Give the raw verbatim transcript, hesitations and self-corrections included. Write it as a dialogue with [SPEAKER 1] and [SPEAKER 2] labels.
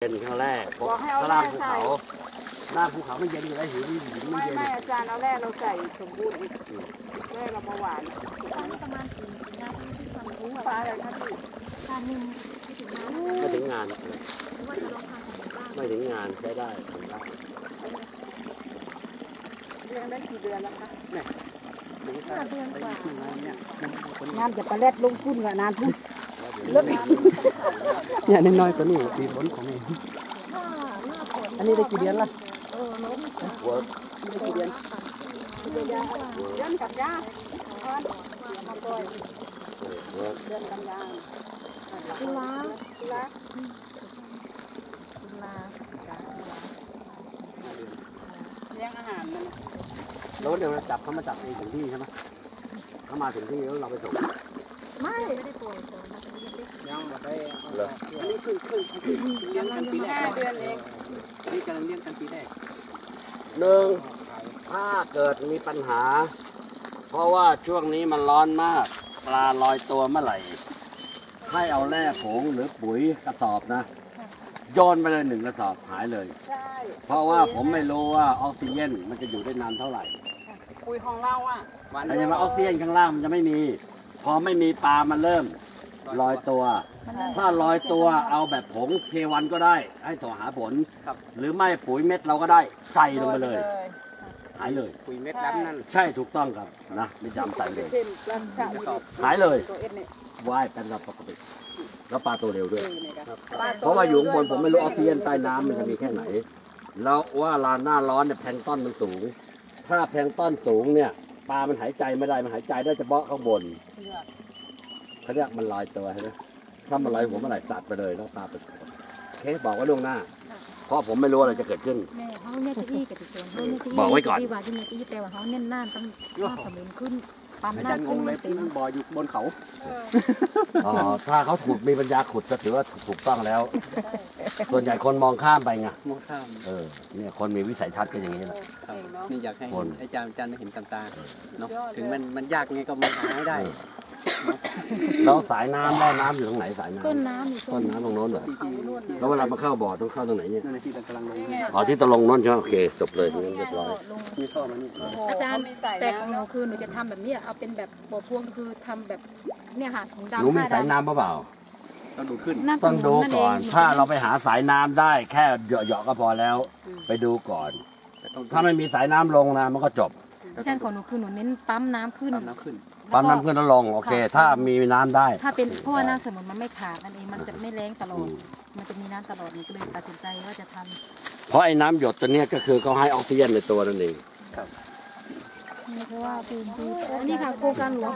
[SPEAKER 1] เป็นครั้งแรกเพราะข้างล่างภูเขาหน้าภูเขาไม่เย็นอยู่แล้วหินหินไม่
[SPEAKER 2] ไม่
[SPEAKER 1] เย็น
[SPEAKER 2] ไม่อาจารย์เอาแร่เราใส่สมบูรณ์อีกแร่เรามาหวาน
[SPEAKER 3] ประมาณสี่งานที่ที่ความรู้
[SPEAKER 2] ปลาอะไรคะพี่
[SPEAKER 3] ทานหนึ่งที่ถึงน้ำ
[SPEAKER 1] ไม่ถึงงาน
[SPEAKER 3] หรือว่าจะลองทานของบ้าง
[SPEAKER 1] ไม่ถึงงานใช้ได้ทำได้
[SPEAKER 2] เลี้ยงได้กี่เดือนแล้วคะ
[SPEAKER 3] ห้าเดือนกว่า
[SPEAKER 2] งานจะปลาเล็ดลงทุนกับนานทุนลดน้
[SPEAKER 4] เนี่ยน้อยๆตัวนี้ปีบนของนี่
[SPEAKER 3] ถ้าหน้าฝน
[SPEAKER 4] อันนี้ได้กี่เดือนละ
[SPEAKER 3] เออล้ม
[SPEAKER 1] เวิร์ก
[SPEAKER 2] ำกี่เดือนเดือนเดือนกับยาก้อนมาปล่อย
[SPEAKER 1] เวิร์ก
[SPEAKER 2] เดือนกันยา
[SPEAKER 3] ตุลา
[SPEAKER 2] ตุลา
[SPEAKER 3] ตุลา
[SPEAKER 2] เลี้ยงอาหารมัน
[SPEAKER 1] แล้วเดี๋ยวเราจับเขามาจับเองถึงที่ใช่ไหมเขามาถึงที่แล้วเราไปส่ง
[SPEAKER 3] ไม่ไม่ได้ป่วยก่อนนะเป็นเล็ก
[SPEAKER 4] ยังมาได้
[SPEAKER 1] เหรอ
[SPEAKER 4] อันนี้คือคือเลี้ยงกันปีแร
[SPEAKER 2] ห้าก เดือนเอง
[SPEAKER 4] นี่กำลังเลี้ยงกันปีแรก
[SPEAKER 1] หนึ่งถ้าเกิดมีปัญหา เพราะว่าช่วงนี้มันร้อนมากปลาลอยตัวเมื่อไหร่ ให้เอาแร่ผงหรือปุ๋ยกระสอบนะโยนไปเลยหนึ่งกระสอบหายเลย
[SPEAKER 2] ใช่
[SPEAKER 1] เพราะว่าผมไม่รู้ว่าออกซิเจนมันจะอยู่ได้นานเท่าไหร่
[SPEAKER 2] ปุ๋ยของเราอ่ะ
[SPEAKER 4] วัน
[SPEAKER 1] แต่ยังว่าออกซิเจนข้างล่างมันจะไม่มี พอไม่มีปลามันเริ่มลอยตัว ถ้าลอยตัวเอาแบบผงเควันก็ได้ ให้ต่อหาผล หรือไม่ปุ๋ยเม็ดเราก็ได้ใส่ลงไปเลย หายเลย
[SPEAKER 4] ปุ๋ยเม็ดดำนั่น
[SPEAKER 1] ใช่ถูกต้องครับนะไม่จำใส่เลย
[SPEAKER 2] เช่นปลาชะ
[SPEAKER 1] หายเลย
[SPEAKER 2] ตัวเอ็ดเนี่ย
[SPEAKER 1] ว่ายเป็นระปกติแล้วปลาตัวเร็วด้วย
[SPEAKER 2] ครับ
[SPEAKER 1] เพราะว่าอยู่ข้างบนผมไม่รู้ออกซิเจนใต้น้ำมันจะมีแค่ไหน แล้วว่าลานหน้าร้อนเนี่ยแพลงก์ต้นมันสูง ถ้าแพลงก์ต้นสูงเนี่ยปลามันหายใจไม่ได้ มันหายใจได้เฉพาะข้างบนเขาเรียกมันลอยตัวใช่ไหมถ้ามันลอยหัวเมื่อไหร่สัตว์ไปเลยแล้วปลาไปโอเคบอกไว้ล่วงหน้า เพราะผมไม่รู้อะไรจะเกิดขึ้น
[SPEAKER 3] แม่เขาเนี่ยจะอี้กับติดตัวเขาเนี่ยจะอี้
[SPEAKER 1] บอกไว้ก่อน
[SPEAKER 3] ที่ว่าที่เนี่ยจะอี้แต่ว่าเขาเน้นหน้าต้องหน้าสมิงขึ้นปั๊ม
[SPEAKER 4] อา
[SPEAKER 3] หน้า
[SPEAKER 4] จารย์ง
[SPEAKER 3] ขึ้น
[SPEAKER 4] งเล
[SPEAKER 3] ไม่
[SPEAKER 4] ย
[SPEAKER 3] เต็ม
[SPEAKER 4] บ่ออยู่บนเขา
[SPEAKER 1] อ๋อถ้าเขาขุดมีปัญญาขุดก็ถือว่าถูกต้องแล้ว ส่วนใหญ่คนมองข้ามไปไง
[SPEAKER 4] มองข้าม
[SPEAKER 1] เออเนี่ยคนมีวิสัยทัศน์ก็อย่างนี้แหละ
[SPEAKER 4] ครับนี่อยากให้
[SPEAKER 1] คน
[SPEAKER 4] อาจารย์อาจารย์ได้เห็นกับตาเนาะถึงมันมันยากไงก็มาหาให้ได้
[SPEAKER 1] แล้วสายน้ำแม่น้ำอยู่ตรงไหนสายน้ำ
[SPEAKER 3] ต้นน้ำอยู่
[SPEAKER 1] ต้นน้ำตรงโน้นเหรอ
[SPEAKER 4] ที่ที่นู่น
[SPEAKER 1] แล้วเวลามาเข้าบ่อต้องเข้าตรงไหนเนี่ย
[SPEAKER 4] นั่นนะที่เรากำลังลง
[SPEAKER 1] อ๋อที่ตะลงโน้นใช่ไหมโอเคจบเลยงั้นเรียบร้อย
[SPEAKER 3] ลง
[SPEAKER 4] มีท่อมานี่
[SPEAKER 3] อาจารย์
[SPEAKER 2] มีใส่
[SPEAKER 3] แต่ของห
[SPEAKER 2] น้ำ
[SPEAKER 3] นูคือหนูจะทำแบบนี้เอาเป็นแบบบ่อพวงคือทำแบบเนี่ยค่ะถุงดำ
[SPEAKER 1] หนูมีสายน้ำเปล่า
[SPEAKER 4] ต้องดูขึ้น
[SPEAKER 3] น้ำ
[SPEAKER 1] ต้องดู
[SPEAKER 3] นั่น
[SPEAKER 1] ก่อน
[SPEAKER 3] เง
[SPEAKER 1] ถ้าเราไปหาสายน้ำได้แค่เหยาะๆก็พอแล้ว ไปดูก่อน
[SPEAKER 4] แต่ต้อง
[SPEAKER 1] ถ้าไม่มีสายน้ำลงนะมันก็จบ
[SPEAKER 3] อาจารย์ของหนูคือหนูเน้นปั๊มน้ำขึ้น
[SPEAKER 4] ตามน้ำขึ้น
[SPEAKER 1] ปั๊มน้ำขึ้นแล้วลงโอเค ถ้ามีน้ำได้
[SPEAKER 3] ถ้าเป็นเพราะว่าน้ำสมุนมันไม่ขาดนั่นเองมันจะไม่แรงตลอดมันจะมีน้ำตลอดหนูก็เลยตัดสินใจว่าจะทำ
[SPEAKER 1] เพราะไอ้น้ำหยดตัวเนี้ยก็คือเขาให้ออกซิเจนในตัวนั่นเอง
[SPEAKER 3] นี่เพราะว่าพื้นที่อันนี้ค่ะโครงการหลวง